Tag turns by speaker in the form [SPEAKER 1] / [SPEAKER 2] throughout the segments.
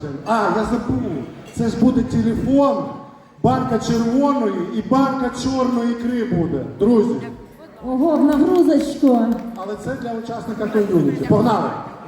[SPEAKER 1] Я забув. Це ж буде телефон, банка червоної і банка чорної ікри буде, друзі.
[SPEAKER 2] Ого, в нагрузочку.
[SPEAKER 1] Але це для учасника ком'юніті. Погнали!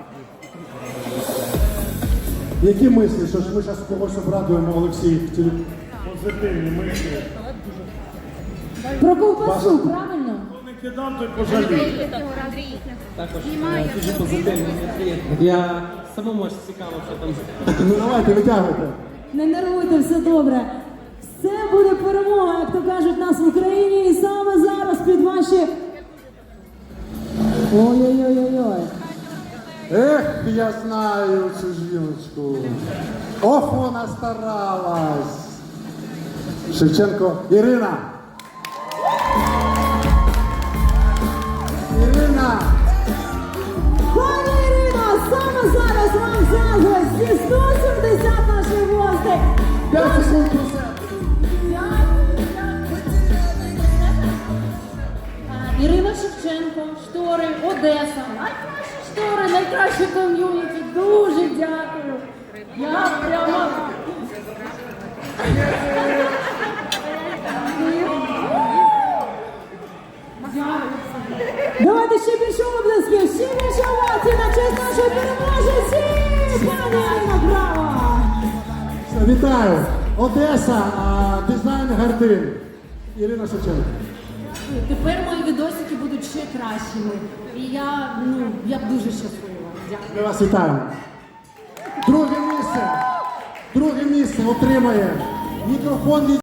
[SPEAKER 1] Які мислі, що ж ми зараз когось обрадуємо, Олексій?
[SPEAKER 3] Позитивні мислі.
[SPEAKER 2] Про ковбасу, правильно?
[SPEAKER 3] Хто не кидав, той пожаліє.
[SPEAKER 4] Також дуже позитивний відповідь. Я самому аж цікаво, що там.
[SPEAKER 1] Ну давайте, витягуйте.
[SPEAKER 2] Не нервуйте, все добре. Все буде перемога, як то кажуть нас в Україні. І саме зараз під ваші... Ой-ой-ой-ой-ой.
[SPEAKER 1] Ех, я знаю цю жіночку. Ох, вона старалась. Шевченко Ірина. Ірина.
[SPEAKER 2] Пані Ірино, саме зараз вам заздрить зі 170 наших гостей.
[SPEAKER 1] 5 секунд про себе.
[SPEAKER 2] Ірина Шевченко, штори, Одеса. Найкращі штори, найкраще ком'юніті. Дуже дякую. Я прямо... Давайте ще більше обласків, ще більше овацій на честь нашої переможниці! Пані Ірина, браво!
[SPEAKER 1] Вітаю. Одеса, дизайн Гардин. Ірина Шевченко.
[SPEAKER 2] Тепер мої відосики будуть ще кращими. І я дуже щаслива. Дякую.
[SPEAKER 1] Ми вас вітаємо. Друге місце отримає мікрофон від